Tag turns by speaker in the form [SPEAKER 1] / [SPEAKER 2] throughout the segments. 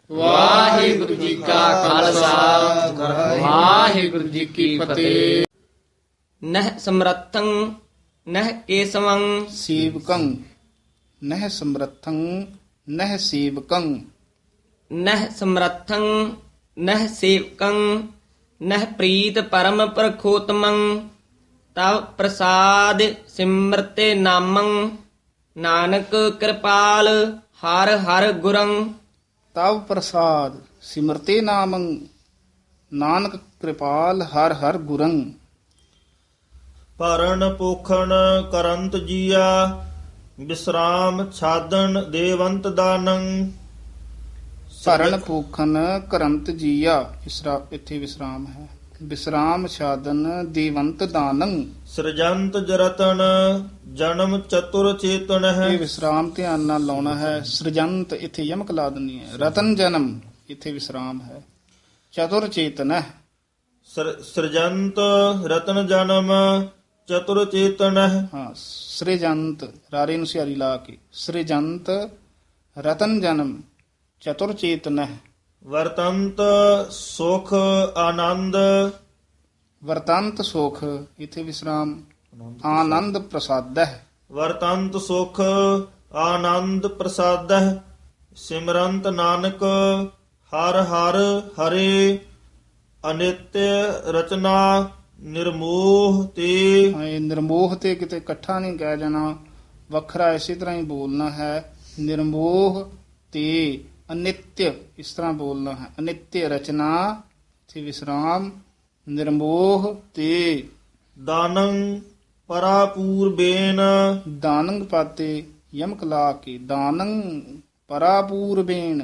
[SPEAKER 1] ਵਾਹਿਗੁਰੂ ਜੀ ਕਾ ਖਾਲਸਾ ਵਾਹਿਗੁਰੂ ਜੀ ਕੀ ਫਤਿਹ।
[SPEAKER 2] ਨਹਿ ਸਮਰੱਥੰ ਨਹਿ ਕੇਸਵੰ
[SPEAKER 3] ਸੇਵਕੰ ਨਹਿ ਸਮਰੱਥੰ ਨਹਿ ਸੇਵਕੰ।
[SPEAKER 2] ਨਹਿ ਸਮਰੱਥੰ ਨਹਿ ਸੇਵਕੰ ਨਹਿ ਪ੍ਰੀਤ ਪਰਮ ਪ੍ਰਖੋਤਮੰ ਤਵ ਪ੍ਰਸਾਦ ਸਿਮਰਤੇ ਨਾਮੰ ਨਾਨਕ ਕਿਰਪਾਲ ਹਰ ਹਰ ਗੁਰੰ।
[SPEAKER 3] ਤਵ ਪ੍ਰਸਾਦ ਸਿਮਰਤੇ ਨਾਮੰ ਨਾਨਕ ਕਿਰਪਾਲ ਹਰ ਹਰ ਗੁਰੰ।
[SPEAKER 4] ਭਰਨ ਪੋਖਣ ਕਰੰਤ ਜੀਆ ਵਿਸਰਾਮ ਛਾਦਨ ਦੇਵੰਤ ਦਾਨੰ।
[SPEAKER 3] ਭਰਨ ਭੂਖਨ ਕਰੰਤ ਜੀਆ ਇੱਥੇ ਵਿਸਰਾਮ ਹੈ। ਵਿਸਰਾਮ ਛਾਦਨ ਦੇਵੰਤ ਦਾਨੰ।
[SPEAKER 4] ਸਿਰਜੰਤ ਜਰਤਨ ਜਨਮ ਚਤੁਰ ਚੇਤਨ ਹੈ।
[SPEAKER 3] ਇਹ ਵਿਸਰਾਮ ਧਿਆਨ ਨਾਲ ਲਾਉਣਾ ਹੈ। ਸ੍ਰਜੰਤ ਇੱਥੇ ਯਮਕ ਲਾ ਦੇਣੀ ਹੈ। ਰਤਨ ਜਨਮ ਇੱਥੇ ਵਿਸਰਾਮ ਹੈ। ਚਤੁਰ ਚੇਤਨ ਹੈ।
[SPEAKER 4] ਸਿਰਜੰਤ ਰਤਨ ਜਨਮ ਚਤੁਰ ਚੇਤਨ ਹੈ।
[SPEAKER 3] ਹਾਂ ਸ੍ਰਜੰਤ ਰਾਰੇ ਨੂੰ ਸਿਆਰੀ ਲਾ ਕੇ ਸ੍ਰਜੰਤ ਰਤਨ ਜਨਮ ਚਤੁਰ ਚੇਤਨ ਹੈ।
[SPEAKER 4] ਵਰਤੰਤ ਸੁਖ ਆਨੰਦ
[SPEAKER 3] ਵਰਤੰਤ ਸੁਖ ਇੱਥੇ ਵਿਸਰਾਮ ਆਨੰਦ ਪ੍ਰਸਾਦ ਹੈ।
[SPEAKER 4] ਵਰਤੰਤ ਸੁਖ ਆਨੰਦ ਪ੍ਰਸਾਦਹ ਸਿਮਰੰਤ ਨਾਨਕ ਹਰ ਹਰ ਹਰੇ ਅਨਿਤਯ ਰਚਨਾ ਨਿਰਮੋਹ ਤੇ।
[SPEAKER 3] ਇਹ ਨਿਰਮੋਹ ਤੇ ਕਿਤੇ ਇਕੱਠਾ ਨਹੀਂ ਕਹਿ ਜਾਣਾ, ਵੱਖਰਾ ਇਸੇ ਤਰ੍ਹਾਂ ਹੀ ਬੋਲਣਾ ਹੈ। ਨਿਰਮੋਹ ਤੇ ਅਨਿਤਯ ਇਸ ਤਰ੍ਹਾਂ ਬੋਲਣਾ ਹੈ। ਅਨਿਤਯ ਰਚਨਾ ਇੱਥੇ ਵਿਸਰਾਮ ਨਿਰਮੋਹ ਤੇ।
[SPEAKER 4] ਦਾਨੰ ਪਰਾਪੂਰਬੇਨ
[SPEAKER 3] ਦਾਨੰਗ ਪਾਤੇ ਯਮਕ ਲਾ ਕੇ ਦਾਨੰ ਪਰਾਪੂਰਬੇਨ।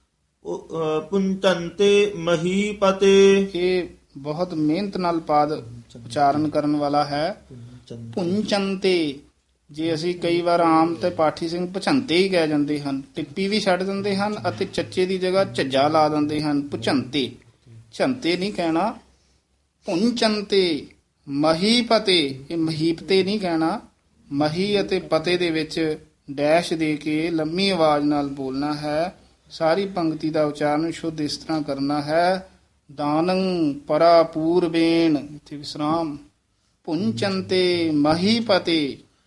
[SPEAKER 4] ਪੁੰਚੰਤੇ ਮਹੀਪਤੇ।
[SPEAKER 3] ਇਹ ਬਹੁਤ ਮਿਹਨਤ ਨਾਲ ਪਾਦ ਉਚਾਰਨ ਕਰਨ ਵਾਲਾ ਹੈ। ਪੁੰਚੰਤੇ ਜੇ ਅਸੀਂ ਕਈ ਵਾਰ ਆਮ ਤੇ ਪਾਠੀ ਸਿੰਘ ਪੁਚੰਤੇ ਹੀ ਕਹਿ ਜਾਂਦੇ ਹਨ, ਟਿੱਪੀ ਵੀ ਛੱਡ ਦਿੰਦੇ ਹਨ ਅਤੇ ਚੱਚੇ ਦੀ ਜਗ੍ਹਾ ਝੱਜਾ ਲਾ ਦਿੰਦੇ ਹਨ। ਪੁਚੰਤੇ ਝੰਤੇ ਨਹੀਂ ਕਹਿਣਾ। ਪੁੰਚੰਤੇ ਮਹੀਪਤੇ ਇਹ ਮਹੀਪਤੇ ਨਹੀਂ ਕਹਿਣਾ। ਮਹੀ ਅਤੇ ਪਤੇ ਦੇ ਵਿੱਚ ਡੈਸ਼ ਦੇ ਕੇ ਲੰਮੀ ਆਵਾਜ਼ ਨਾਲ ਬੋਲਣਾ ਹੈ। ਸਾਰੀ ਪੰਕਤੀ ਦਾ ਉਚਾਰਨ ਸ਼ੁੱਧ ਇਸ ਤਰ੍ਹਾਂ ਕਰਨਾ ਹੈ। ਦਾਨੰ ਪਰਾਪੂਰਬੇਨ ਇੱਥੇ ਵਿਸਰਾਮ ਪੁੰਚੰਤੇ ਮਹੀਪਤੇ।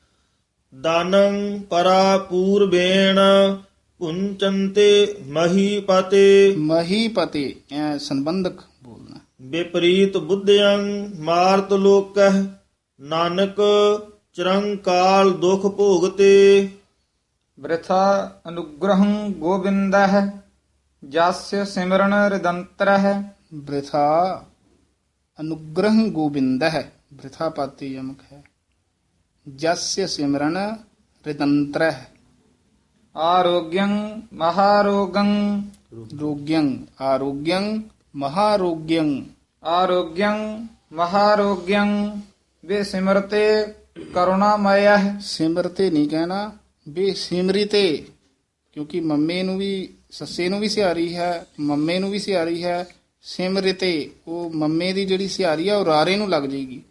[SPEAKER 4] ਦਾਨੰ ਪਰਾਪੂਰਬੇਣ ਪੁੰਚੰਤੇ ਮਹੀਪਤੇ।
[SPEAKER 3] ਮਹੀਪਤੇ ਐ ਸੰਬੰਧਕ ਬੋਲਣਾ।
[SPEAKER 4] ਵਿਪਰੀਤ ਬੁੱਧਿਅੰ ਮਾਰਤ ਲੋਕਹਿ ਨਾਨਕ ਚਿਰੰਕਾਲ ਦੁਖ ਭੋਗਤੇ।
[SPEAKER 1] ਬ੍ਰਿਥਾ ਅਨੁਗ੍ਰਹੰ ਗੋਬਿੰਦః ਜਸਯ ਸਿਮਰਨ ਰਿਦੰਤਰః।
[SPEAKER 3] ਬ੍ਰਿਥਾ ਅਨੁਗ੍ਰਹ ਗੋਬਿੰਦః ਬ੍ਰਿਥਾ ਪਾਤੀ ਯਮਕ ਹੈ। ਜਸਯ ਸਿਮਰਨ ਰਿਦੰਤਰః।
[SPEAKER 1] ਆਰੋਗਯੰ ਮਹਾਰੋਗੰ
[SPEAKER 3] ਰੋਗਯੰ ਆਰੋਗਯੰ ਮਹਾਰੋਗਯੰ।
[SPEAKER 1] ਆਰੋਗਯੰ ਮਹਾਰੋਗਯੰ ਵੇ ਸਿਮਰਤੇ ਕਰੁਣਾਮਯః।
[SPEAKER 3] ਸਿਮਰਤੇ ਨਹੀਂ ਕਹਿਣਾ ਬੇਸਿਮਰਿਤੇ, ਕਿਉਂਕਿ ਮੰਮੇ ਨੂੰ ਵੀ ਸੱਸੇ ਨੂੰ ਵੀ ਸਿਹਾਰੀ ਹੈ, ਮੰਮੇ ਨੂੰ ਵੀ ਸਿਹਾਰੀ ਹੈ। ਸਿਮਰਿਤੇ ਉਹ ਮੰਮੇ ਦੀ ਜਿਹੜੀ ਸਿਹਾਰੀ ਆ ਉਹ ਰਾਰੇ ਨੂੰ ਲੱਗ ਜਾਏਗੀ।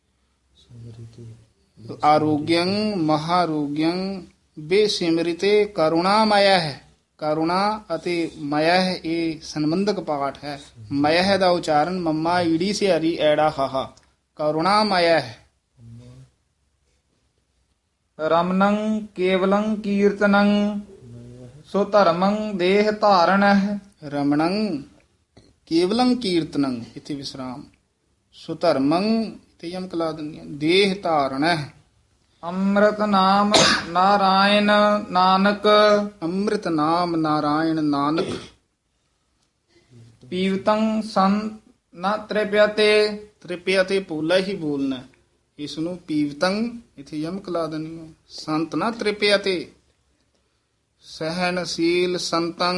[SPEAKER 3] ਆਰੋਗਯੰ ਮਹਾਰੋਗਯੰ ਬੇਸਿਮਰਿਤੇ ਕਰੁਣਾਮਯ ਹੈ। ਕਰੁਣਾ ਅਤੇ ਮਯ ਇਹ ਸੰਬੰਧਕ ਪਾਠ ਹੈ। ਮਯ ਦਾ ਉਚਾਰਨ ਮੰਮਾ ਈੜੀ ਸਿਹਾਰੀ ਐੜਾ ਹਾਹਾ ਕਰੁਣਾਮਯ ਹੈ।
[SPEAKER 1] ਰਮਨੰ ਕੇਵਲੰ ਕੀਰਤਨੰ ਸੋ ਧਰਮੰ ਦੇਹ ਧਾਰਣః।
[SPEAKER 3] ਰਮਣੰ ਕੇਵਲੰ ਕੀਰਤਨੰ ਇੱਥੇ ਵਿਸਰਾਮ। ਸੁਧਰਮੰ ਤੇ ਯਮਕ ਲਾ ਦਿੰਦੀ ਹੈ। ਦੇਹ ਧਾਰਣ ਹੈ।
[SPEAKER 1] ਅੰਮ੍ਰਿਤ ਨਾਮ ਨਾਰਾਇਣ ਨਾਨਕ
[SPEAKER 3] ਅੰਮ੍ਰਿਤ ਨਾਮ ਨਾਰਾਇਣ ਨਾਨਕ।
[SPEAKER 1] ਪੀਵਤੰ ਸੰਤ ਨ ਤ੍ਰਿਪਿਅਤੇ।
[SPEAKER 3] ਤ੍ਰਿਪਿਆ ਤੇ ਪੋਲਾ ਹੀ ਬੋਲਣਾ। ਇਸ ਨੂੰ ਪੀਵਤੰ ਇੱਥੇ ਯਮਕ ਲਾ ਦੇਣੀ ਹੈ। ਸੰਤ ਨਾ ਤ੍ਰਿਪਿਆ ਤੇ। ਸਹਿਨਸ਼ੀਲ ਸੰਤੰ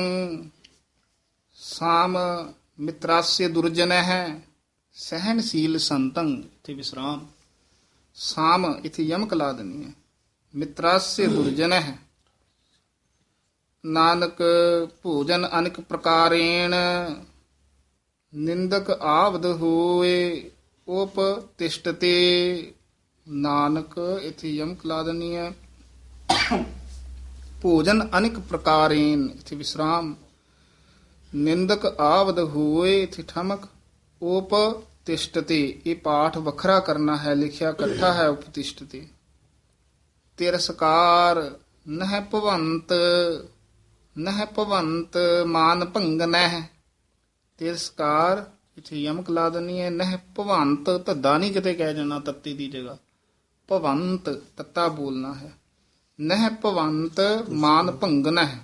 [SPEAKER 3] ਸਾਮ ਮਿਤਰਾस्य ਦੁਰਜਨ ਹੈ। ਸਹਿਨਸ਼ੀਲ ਸੰਤੰ ਇੱਥੇ ਵਿਸਰਾਮ। ਸਾਮ ਇੱਥੇ ਯਮਕ ਲਾ ਦੇਣੀ ਹੈ। ਮਿਤਰਾस्य ਦੁਰਜਨ ਹੈ। ਨਾਨਕ ਭੋਜਨ ਅਨੇਕ ਪ੍ਰਕਾਰੇਣ ਨਿੰਦਕ ਆਵਦ ਹੋਏ ਉਪ ਤਿਸ਼ਟਤੇ। ਨਾਨਕ ਇੱਥੇ ਯਮਕ ਲਾ ਦੇਣੀ ਹੈ। ਭੋਜਨ ਅਨੇਕ ਪ੍ਰਕਾਰੇਨ ਇੱਥੇ ਵਿਸਰਾਮ। ਨਿੰਦਕ ਆਵਦ ਹੋਏ ਇਥੇ ਠਮਕ ਉਪ ਤਿਸ਼ਟਤੇ। ਇਹ ਪਾਠ ਵੱਖਰਾ ਕਰਨਾ ਹੈ, ਲਿਖਿਆ ਇਕੱਠਾ ਹੈ ਉਪਤਿਸ਼ਟਤੇ। ਤਿਰਸਕਾਰ ਨਹਿ ਭਵੰਤ, ਨਹਿ ਭਵੰਤ ਮਾਨ ਭੰਗਨਹਿ। ਤਿਰਸਕਾਰ ਇੱਥੇ ਯਮਕ ਲਾ ਦੇਣੀ ਹੈ। ਨਹਿ ਭਵੰਤ ਧੱਦਾ ਨਹੀਂ ਕਿਤੇ ਕਹਿ ਜਾਣਾ ਤੱਤੀ ਦੀ ਜਗ੍ਹਾ, ਭਵੰਤ ਤੱਤਾ ਬੋਲਣਾ ਹੈ। ਨਹਿ ਭਵੰਤ ਮਾਨ ਭੰਗਨਹਿ।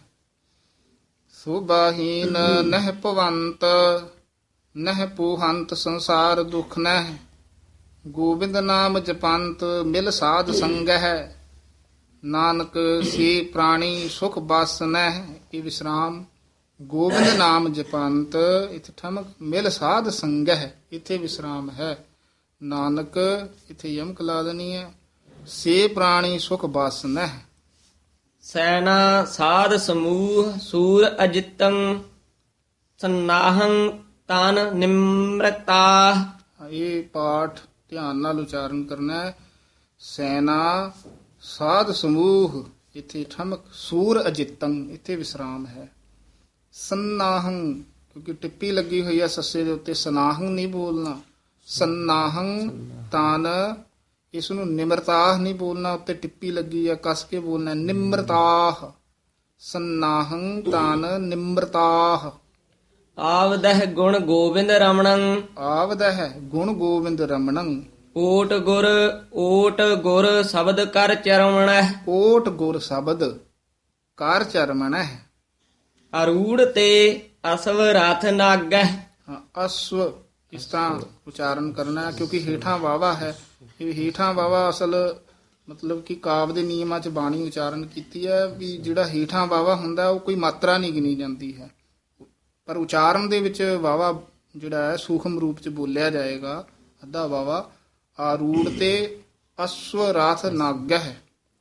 [SPEAKER 3] ਸੋਭਾਹੀਨ ਨਹਿ ਭਵੰਤ, ਨਹਿ ਪੂਹੰਤ ਸੰਸਾਰ ਦੁਖ ਨਹਿ। ਗੋਬਿੰਦ ਨਾਮ ਜਪੰਤ ਮਿਲ ਸਾਧ ਸੰਗਹਿ। ਨਾਨਕ ਸੇ ਪ੍ਰਾਣੀ ਸੁਖ ਬਸ ਨਹਿ। ਇਹ ਵਿਸਰਾਮ। ਗੋਬਿੰਦ ਨਾਮ ਜਪੰਤ ਇਥੇ ਠਮਕ ਮਿਲ ਸਾਧ ਸੰਗਹਿ, ਇਥੇ ਵਿਸਰਾਮ ਹੈ। ਨਾਨਕ ਇਥੇ ਯਮਕ ਲਾ ਦੇਣੀ ਹੈ। ਸੇ ਪ੍ਰਾਣੀ ਸੁਖ ਬਸ ਨਹਿ।
[SPEAKER 2] ਸੈਨਾ ਸਾਧ ਸਮੂਹ ਸੂਰ ਅਜਿਤੰ ਸੰਨਾਹੰ ਤਨ ਨਿਮਰਤਾ।
[SPEAKER 3] ਇਹ ਪਾਠ ਧਿਆਨ ਨਾਲ ਉਚਾਰਨ ਕਰਨਾ ਹੈ। ਸੈਨਾ ਸਾਧ ਸਮੂਹ ਇਥੇ ਠਮਕ ਸੂਰ ਅਜਿਤੰ ਇਥੇ ਵਿਸਰਾਮ ਹੈ। ਸੰਨਾਹੰ ਕਿਉਂਕਿ ਟਿੱਪੀ ਲੱਗੀ ਹੋਈ ਹੈ ਸੱਸੇ ਦੇ ਉੱਤੇ, ਸਨਾਹੰ ਨਹੀਂ ਬੋਲਣਾ। ਸੰਨਾਹੰ ਤਨ, ਇਸ ਨੂੰ ਨਿਮਰਤਾਹ ਨਹੀਂ ਬੋਲਣਾ, ਉੱਤੇ ਟਿੱਪੀ ਲੱਗੀ ਹੈ ਕਸ ਕੇ ਬੋਲਣਾ ਨਿਮਰਤਾਹ। ਸੰਨਾਹੰ ਤਨ ਨਿਮਰਤਾਹ।
[SPEAKER 2] ਆਵਦਹਿ ਗੁਣ ਗੋਬਿੰਦ ਰਮਣੰ।
[SPEAKER 3] ਆਵਦਹਿ ਗੁਣ ਗੋਬਿੰਦ ਰਮਣੰ।
[SPEAKER 2] ਓਟ ਗੁਰ ਸ਼ਬਦ ਕਰ ਚਰਮਣਹਿ।
[SPEAKER 3] ਓਟ ਗੁਰ ਸ਼ਬਦ ਕਰ ਚਰਮਣਹਿ।
[SPEAKER 2] ਅਰੂੜ ਤੇ ਅਸਵ ਰਥ ਨਾਗਹਿ।
[SPEAKER 3] ਅਸਵ ਇਸ ਤਰ੍ਹਾਂ ਉਚਾਰਨ ਕਰਨਾ ਹੈ ਕਿਉਂਕਿ ਹੇਠਾਂ ਵਾਵਾ ਹੈ। ਇਹ ਹੇਠਾਂ ਵਾਵਾ ਅਸਲ ਮਤਲਬ ਕਿ ਕਾਵ ਦੇ ਨਿਯਮਾਂ 'ਚ ਬਾਣੀ ਉਚਾਰਨ ਕੀਤੀ ਹੈ ਵੀ ਜਿਹੜਾ ਹੇਠਾਂ ਵਾਵਾ ਹੁੰਦਾ ਉਹ ਕੋਈ ਮਾਤਰਾ ਨਹੀਂ ਗਿਣੀ ਜਾਂਦੀ ਹੈ, ਪਰ ਉਚਾਰਨ ਦੇ ਵਿੱਚ ਵਾਵਾ ਜਿਹੜਾ ਹੈ ਸੂਖਮ ਰੂਪ 'ਚ ਬੋਲਿਆ ਜਾਏਗਾ। ਅੱਧਾ ਵਾਵਾ। ਆਰੂੜ ਤੇ ਅਸਵ ਰਥ ਨਾਗਹਿ।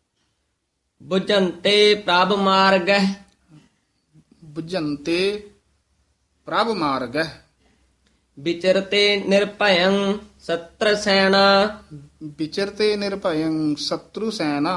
[SPEAKER 2] ਬੁਝੰਤੇ ਪ੍ਰਭ ਮਾਰਗਹਿ।
[SPEAKER 3] ਬੁਝੰਤੇ ਪ੍ਰਭ ਮਾਰਗਹਿ।
[SPEAKER 2] ਵਿਚਰਤੇ ਨਿਰਭਯੰ ਸਤਰ ਸੈਨਾ।
[SPEAKER 3] ਵਿਚਰਤੇ ਨਿਰਭਯੰ ਸ਼ਤਰੂ ਸੈਨਾ।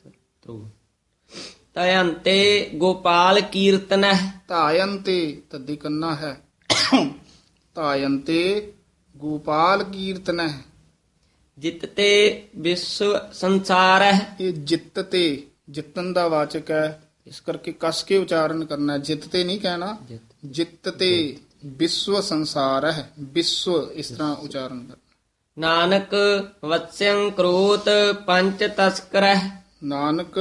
[SPEAKER 2] ਤਯੰਤੇ ਗੋਪਾਲ ਕੀਰਤਨਹਿ।
[SPEAKER 3] ਧਾਇੰਤੇ ਤੱਦੀ ਕੰਨਾ ਹੈ। ਧਾਇੰਤੇ ਗੋਪਾਲ ਕੀਰਤਨਹਿ।
[SPEAKER 2] ਜਿਤਤੇ ਵਿਸ਼ਵ ਸੰਸਾਰਹਿ।
[SPEAKER 3] ਇਹ ਜਿੱਤ ਤੇ ਜਿੱਤਨ ਦਾ ਵਾਚਕ ਹੈ, ਇਸ ਕਰਕੇ ਕਸ ਕੇ ਉਚਾਰਨ ਕਰਨਾ। ਜਿੱਤ ਤੇ ਨਹੀਂ ਕਹਿਣਾ, ਜਿੱਤ ਤੇ ਵਿਸ਼ਵ ਸੰਸਾਰ ਹੈ। ਵਿਸ਼ਵ ਇਸ ਤਰ੍ਹਾਂ ਉਚਾਰਨ ਕਰਨਾ।
[SPEAKER 2] ਨਾਨਕ ਵਤਸਯੰ ਕ੍ਰੋਤ ਪੰਚ ਤਸਕਰਹਿ।
[SPEAKER 3] ਨਾਨਕ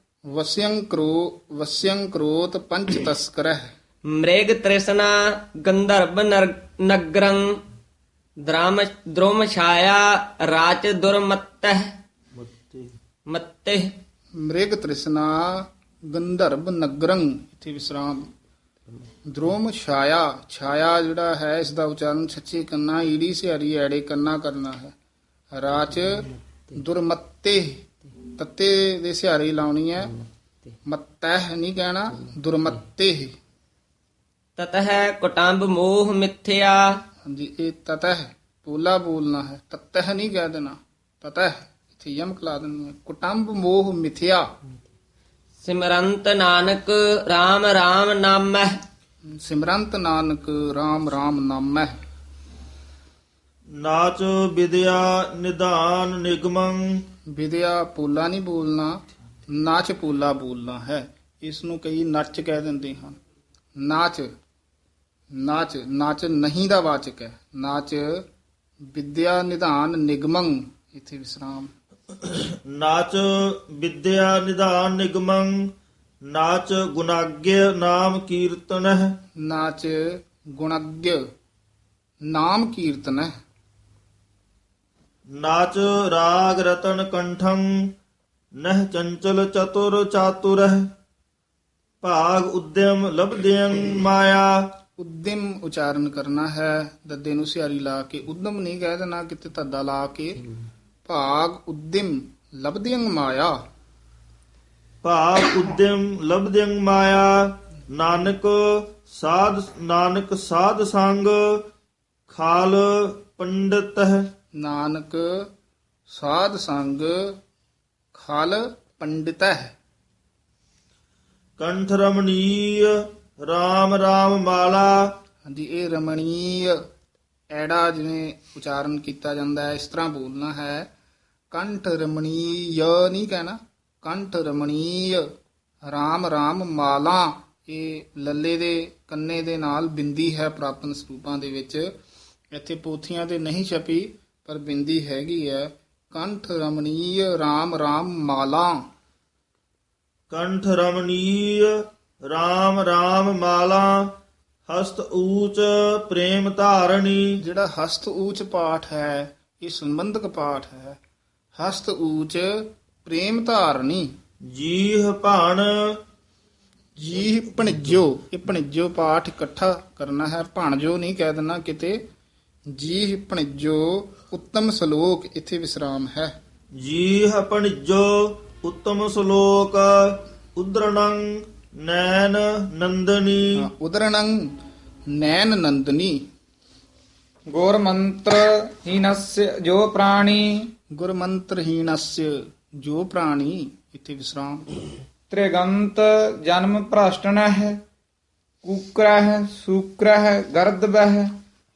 [SPEAKER 3] ਵਸਿਯੰ ਕਰੋਤ ਪੰਚ ਤਸਕਰਹਿ।
[SPEAKER 2] ਮ੍ਰਿਗ ਤ੍ਰਿਸ਼ਨਾ ਗੰਧਰਵ ਨਗਰੰ। ਦ੍ਰੁਮ ਛਾਇਆ ਰਾਚ ਦੁਰਮਤਹਿ। ਮਤੇ
[SPEAKER 3] ਮ੍ਰਿਗ ਤ੍ਰਿਸ਼ਨਾ ਗੰਧਰਵ ਨਗਰੰ ਇਥੇ ਵਿਸਰਾਮ। ਦ੍ਰੋਮ ਛਾਇਆ, ਛਾਇਆ ਜਿਹੜਾ ਹੈ ਇਸ ਦਾ ਉਚਾਰਨ ਸੱਚੇ ਕੰਨਾ ਈੜੀ ਸਿਹਾਰੀ ਐੜੇ ਕੰਨਾ ਕਰਨਾ ਹੈ। ਰਾਚ ਦੁਰਮੱਤੇ ਤੱਤੇ ਦੇ ਸਿਹਾਰੀ ਲਾਉਣੀ ਹੈ, ਮੱਤਹਿ ਨਹੀਂ ਕਹਿਣਾ, ਦੁਰਮੱਤੇ।
[SPEAKER 2] ਤਤਹਿ ਕੁਟੰਬ ਮੋਹ ਮਿਥਿਆ।
[SPEAKER 3] ਹਾਂਜੀ ਇਹ ਤਤਹਿ ਪੋਲਾ ਬੋਲਣਾ ਹੈ, ਤਤਹਿ ਨਹੀਂ ਕਹਿ ਦੇਣਾ। ਤਤਹਿ ਇੱਥੇ ਯਮਕ ਲਾ ਦੇਣੀ ਹੈ। ਕੁਟੰਬ ਮੋਹ ਮਿਥਿਆ।
[SPEAKER 2] ਸਿਮਰੰਤ Nanak RAM RAM ਨਾਮਹਿ।
[SPEAKER 3] ਸਿਮਰੰਤ Nanak RAM RAM ਨਾਮਹਿ।
[SPEAKER 4] ਨਾਚ ਵਿਦਿਆ ਨਿਧਾਨ ਨਿਗਮੰ।
[SPEAKER 3] ਵਿਦਿਆ ਪੋਲਾ ਨਹੀਂ ਬੋਲਣਾ, ਨਾਚ ਪੋਲਾ ਬੋਲਣਾ ਹੈ। ਇਸ ਨੂੰ ਕਈ ਨੱਚ ਕਹਿ ਦਿੰਦੇ ਹਨ। ਨਾਚ, ਨਾਚ, ਨਾਚ ਨਹੀਂ ਦਾ ਵਾਚਕ ਹੈ। ਨਾਚ ਵਿਦਿਆ ਨਿਧਾਨ ਨਿਗਮੰ ਇਥੇ ਵਿਸਰਾਮ।
[SPEAKER 4] ਨਾਚ ਵਿਦਿਆ ਨਿਧਾਨ ਨਿਗਮੰ। ਨਾਚ ਗੁਣਾਗ੍ਯ ਨਾਮ ਕੀਰਤਨਹਿ।
[SPEAKER 3] ਨਾਚ ਗੁਣਾਗ੍ਯ ਨਾਮ ਕੀਰਤਨਹਿ।
[SPEAKER 4] ਨਾਚ ਰਾਗ ਰਤਨ ਕੰਠੰ। ਨਹਿ ਚੰਚਲ ਚਤੁਰ ਚਾਤੁਰਹਿ। ਭਾਗ ਉਦਯਮ ਲਬਦਿਯੰ ਮਾਇਆ।
[SPEAKER 3] ਉਦਮ ਉਚਾਰਨ ਕਰਨਾ ਹੈ, ਦੱਦੇ ਨੂੰ ਸਿਹਾਰੀ ਲਾ ਕੇ। ਉਦਮ ਨਹੀਂ ਕਹਿ ਦੇਣਾ ਕਿਤੇ ਧੱਦਾ ਲਾ ਕੇ। ਭਾਗ ਉਦਮ ਲਬਦਿਯੰ ਮਾਇਆ।
[SPEAKER 4] ਭਾਗ ਉਦਯਮ ਲਬਦਿਯੰ ਮਾਇਆ। ਨਾਨਕ ਸਾਧ ਸੰਗ ਖਾਲ ਪੰਡਤਹਿ।
[SPEAKER 3] ਨਾਨਕ ਸਾਧ ਸੰਗ ਖਲ ਪੰਡਿਤਹਿ।
[SPEAKER 4] ਕੰਠ ਰਮਣੀਯ RAM RAM ਮਾਲਾ।
[SPEAKER 3] ਹਾਂਜੀ, ਇਹ ਰਮਣੀय ਐੜਾ ਜਿਵੇਂ ਉਚਾਰਨ ਕੀਤਾ ਜਾਂਦਾ ਹੈ ਇਸ ਤਰ੍ਹਾਂ ਬੋਲਣਾ ਹੈ। ਕੰਠ ਰਮਣੀय ਨਹੀਂ ਕਹਿਣਾ, ਕੰਠ ਰਮਣੀय। ਰਾਮ ਰਾਮ ਮਾਲਾ, ਇਹ ਲੱਲੇ ਦੇ ਕੰਨੇ ਦੇ ਨਾਲ ਬਿੰਦੀ ਹੈ ਪ੍ਰਾਪਨ ਸਰੂਪਾਂ ਦੇ ਵਿੱਚ। ਇੱਥੇ ਪੋਥੀਆਂ ਤੇ ਨਹੀਂ ਛਪੀ ਪਰ ਬਿੰਦੀ ਹੈਗੀ ਹੈ। ਕੰਠ ਰਮਣੀय ਰਾਮ ਰਾਮ ਮਾਲਾ।
[SPEAKER 4] ਕੰਠ ਰਮਣੀय RAM RAM ਮਾਲਾ। ਹਸਤ ਊਚ ਪ੍ਰੇਮ ਧਾਰਣੀ।
[SPEAKER 3] ਜਿਹੜਾ ਹਸਤ ਊਚ ਪਾਠ ਹੈ ਇਹ ਸੰਬੰਧਕ ਪਾਠ ਹੈ। ਹਸਤ ਊਚ ਪ੍ਰੇਮ ਧਾਰਨੀ।
[SPEAKER 4] ਜੀਹ ਭਾਣ
[SPEAKER 3] ਜੀ ਭਣਜੋ, ਇਹ ਭਣਜੋ ਪਾਠ ਇਕੱਠਾ ਕਰਨਾ ਹੈ, ਭਣਜੋ ਨਹੀਂ ਕਹਿ ਦੇਣਾ ਕਿਤੇ। ਜੀ ਭਣਜੋ ਉੱਤਮ ਸ਼ਲੋਕ, ਇੱਥੇ ਵਿਸਰਾਮ ਹੈ।
[SPEAKER 4] ਜੀਹ ਭਣਜੋ ਉੱਤਮ ਸ਼ਲੋਕ। ਉਦਰਣੰ ਨੈਣ ਨੰਦਨੀ।
[SPEAKER 3] ਉਦਰਣੰ ਨੈਣ ਨੰਦਨੀ।
[SPEAKER 1] ਗੁਰ ਮੰਤਰ ਹੀਨस्य ਜੋ ਪ੍ਰਾਣੀ
[SPEAKER 3] ਗੁਰਮੰਤਰਹੀਣस्य ਜੋ ਪ੍ਰਾਣੀ, ਇੱਥੇ ਵਿਸਰਾਮ।
[SPEAKER 1] ਤ੍ਰਿਗੰਤ ਜਨਮ ਭ੍ਰਸ਼ਟਨਹਿ ਕੂਕਰਹਿ ਸੂਕਰਹਿ ਗਰਦਬਹਿ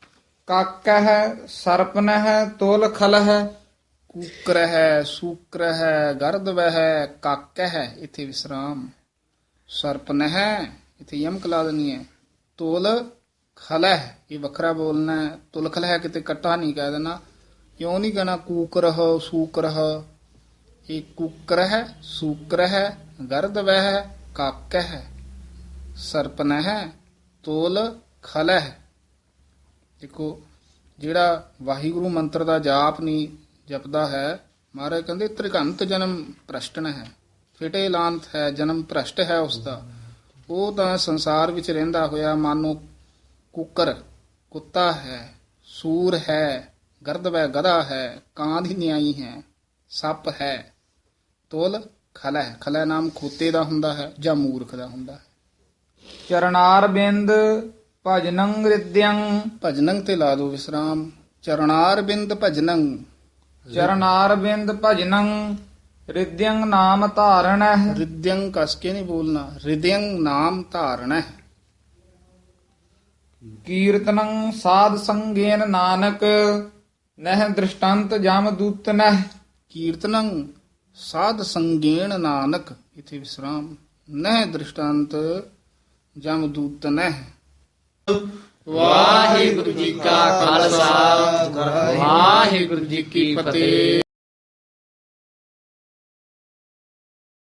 [SPEAKER 1] ਕਾਕਹਿ ਸਰਪਨਹਿ ਤੋਲ ਖਲਹਿ।
[SPEAKER 3] ਕੂਕਰਹਿ ਸੂਕਰਹਿ ਗਰਦਵਹਿ ਕਾਕਹਿ, ਇੱਥੇ ਵਿਸਰਾਮ। ਸਰਪਨਹਿ, ਇੱਥੇ ਯਮਕ ਲਾ ਦੇਣੀ ਹੈ। ਤੋਲ ਖਲਹਿ, ਇਹ ਵੱਖਰਾ ਬੋਲਣਾ ਹੈ। ਤੁਲ ਖਲਹਿ ਕਿਤੇ ਕੱਟਾ ਨਹੀਂ ਕਹਿ ਦੇਣਾ। ਕਿਉਂ ਨਹੀਂ ਕਹਿਣਾ ਕੂਕਰਹ ਸੂਕਰਹ। ਇਹ ਕੂਕਰਹਿ ਸੂਕਰਹਿ ਗਰਦਵਹਿ ਕਾਕਹਿ ਸਰਪਨਹਿ ਤੋਲ ਖਲਹਿ। ਦੇਖੋ, ਜਿਹੜਾ ਵਾਹਿਗੁਰੂ ਮੰਤਰ ਦਾ ਜਾਪ ਨਹੀਂ ਜਪਦਾ ਹੈ, ਮਹਾਰਾਜ ਕਹਿੰਦੇ ਤ੍ਰਿਗੰਤ ਜਨਮ ਭ੍ਰਸ਼ਟਨ ਹੈ, ਫਿਟੇ ਲਾਂਤ ਹੈ, ਜਨਮ ਭ੍ਰਸ਼ਟ ਹੈ ਉਸਦਾ। ਉਹ ਤਾਂ ਸੰਸਾਰ ਵਿੱਚ ਰਹਿੰਦਾ ਹੋਇਆ ਮਾਨੋ ਕੁੱਕਰ ਕੁੱਤਾ ਹੈ, ਸੂਰ ਹੈ, ਗਰਦਵੈ ਗਧਾ ਹੈ, ਕਾਂ ਦੀ ਨਿਆਈ ਹੈ, ਸੱਪ ਹੈ। ਤੋਲ ਖਲੈ, ਖਲੈ ਨਾਮ ਖੋਤੇ ਦਾ ਹੁੰਦਾ ਹੈ ਜਾਂ ਮੂਰਖ ਦਾ ਹੁੰਦਾ ਹੈ।
[SPEAKER 1] ਚਰਨਾਰ ਬਿੰਦ ਭਜਨੰ ਰਿਦਯੰ
[SPEAKER 3] ਭਜਨੰ ਤੇ ਲਾ ਦੋ ਵਿਸਰਾਮ। ਚਰਨਾਰ ਬਿੰਦ ਭਜਨੰ।
[SPEAKER 1] ਚਰਨਾਰ ਬਿੰਦ ਭਜਨੰ ਰਿਦਯੰ ਨਾਮ ਧਾਰਣਹਿ।
[SPEAKER 3] ਰਿਦਯੰ ਕਸ ਕੇ ਨਹੀਂ ਬੋਲਣਾ, ਰਿਦਯੰ ਨਾਮ ਧਾਰਣਾ।
[SPEAKER 1] ਕੀਰਤਨੰ ਸਾਧ ਸੰਗੇਨ ਨਾਨਕ ਨਹਿ ਦ੍ਰਿਸ਼ਟੰਤ ਜਮ ਦੂਤਨਹਿ।
[SPEAKER 3] ਕੀਰਤਨੰ ਸਾਧ ਸੰਗੇਣ ਨਾਨਕ, ਇਥੇ ਵਿਸਰਾਮ। ਨਹਿ ਦ੍ਰਿਸ਼ਟਾਂਤ ਜਮ ਦੂਤਨਹਿ।
[SPEAKER 1] ਵਾਹਿਗੁਰੂ ਜੀ ਕਾ ਖਾਲਸਾ ਵਾਹਿਗੁਰੂ ਜੀ ਕੀ ਫਤਿਹ।